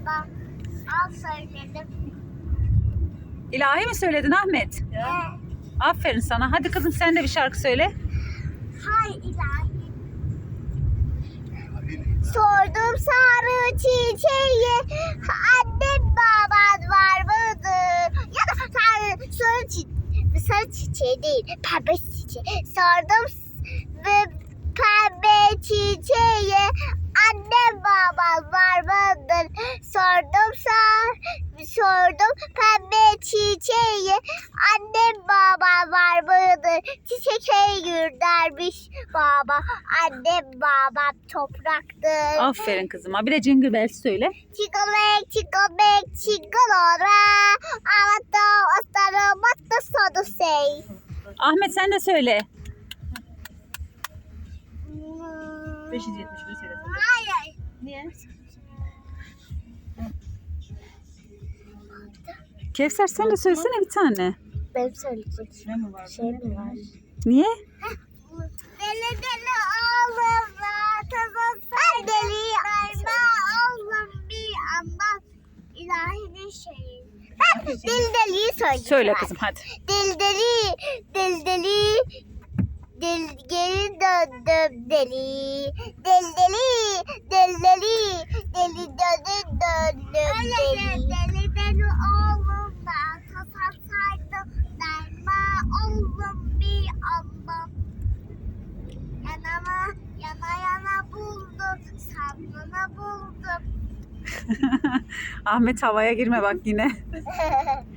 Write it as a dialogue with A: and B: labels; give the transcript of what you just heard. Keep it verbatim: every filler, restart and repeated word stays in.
A: baba. Al söyledim.
B: İlahi mi söyledin Ahmet?
A: He.
B: Aferin sana. Hadi kızım sen de bir şarkı söyle.
A: Hay ilahi. Sordum sarı çiçeği, annem baban var mıdır? Ya da sarı, sarı, çi- sarı çiçeği değil, pembe çiçeği. Sordum s- ve pembe çiçeği, annem baban var mıdır? Sordum sar, sordum pembe çiçeği, annem baban var mıdır? Çiçeğe gürdermiş baba, annem babam topraktır.
B: Aferin kızıma. Bir de Jingle Bells söyle.
A: Çikomek, çikomek, çikolora, avato, ostaro, matta, sodu, sey.
B: Ahmet sen de söyle.
C: beş yüz yetmiş bir söyle.
A: Hayır.
C: Niye?
B: Kevser sen de söylesene bir tane.
A: Benim söyleyecek
C: Ne mi var?
A: şey mi var?
B: Niye?
A: Deli deli oğlum var, tazasın deli verme oğlum bir anlat ilahinin şeyi. Ben deli deliyi söyleyeceğim.
B: Söyle kızım hadi.
A: Deli deli, deli deli, deli geri döndüm deli. Deli deli, deli deli, deli döndüm döndüm deli. Deli deli oğlum ben tasasaydım derma oğlum bir anlam. Yanama, yana yana buldum, sallana buldum.
B: Ahmet havaya girme bak yine.